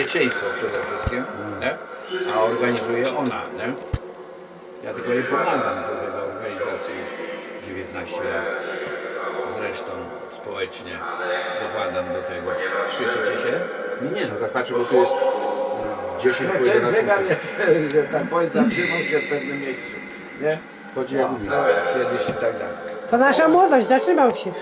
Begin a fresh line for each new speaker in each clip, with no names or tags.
bezpieczeństwo przede wszystkim, nie? A organizuje ona. Nie? Ja tylko jej pomagam do tego organizacji już 19 lat. Zresztą społecznie dokładam do tego. Słyszycie się?
Nie no, tak patrzę, bo tu jest 10 po
Ten
11.
zegar jest, że tak powiem, zatrzymał się w pewnym miejscu. Nie?
Chodzi jak mówi.
Kiedyś i tak dalej.
To nasza młodość, zatrzymał się.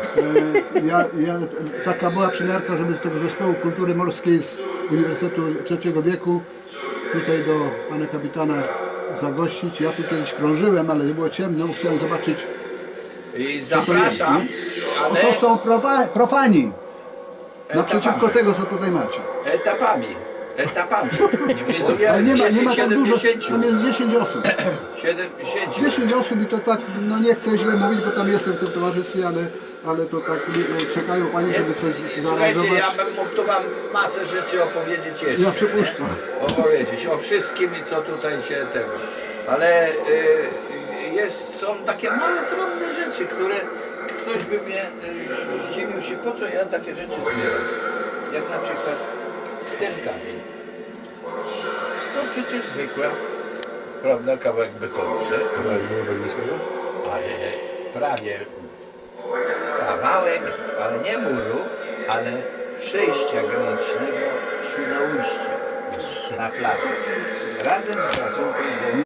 Taka była przymiarka, żeby z tego Zespołu Kultury Morskiej z Uniwersytetu III wieku tutaj do pana kapitana zagościć. Ja tu kiedyś krążyłem, ale nie było ciemno, chciałem zobaczyć.
I zapraszam, ale
To są profani. Naprzeciwko
etapami.
tego, co tutaj macie.
Etapami.
Ale nie ma tak dużo,
70.
tam jest 10 osób.
70.
10 osób i to tak, no nie chcę źle mówić, bo tam jestem w tym towarzystwie, ale to tak czekają pani, żeby coś
Słuchajcie,
zareagować.
ja bym mógł tu wam masę rzeczy opowiedzieć jeszcze.
Ja przypuszczam.
Nie? Opowiedzieć o wszystkim i co tutaj się tego. Ale są takie małe, drobne rzeczy, które ktoś by mnie zdziwił się, po co ja takie rzeczy zbieram. Jak na przykład ten kamień. To przecież zwykła, prawda, kawałek betonu. Nie?
Kawałek było berlińskiego?
Ale prawie kawałek, ale nie muru, ale przejścia granicznego Świnoujście na plaży. Razem z placówką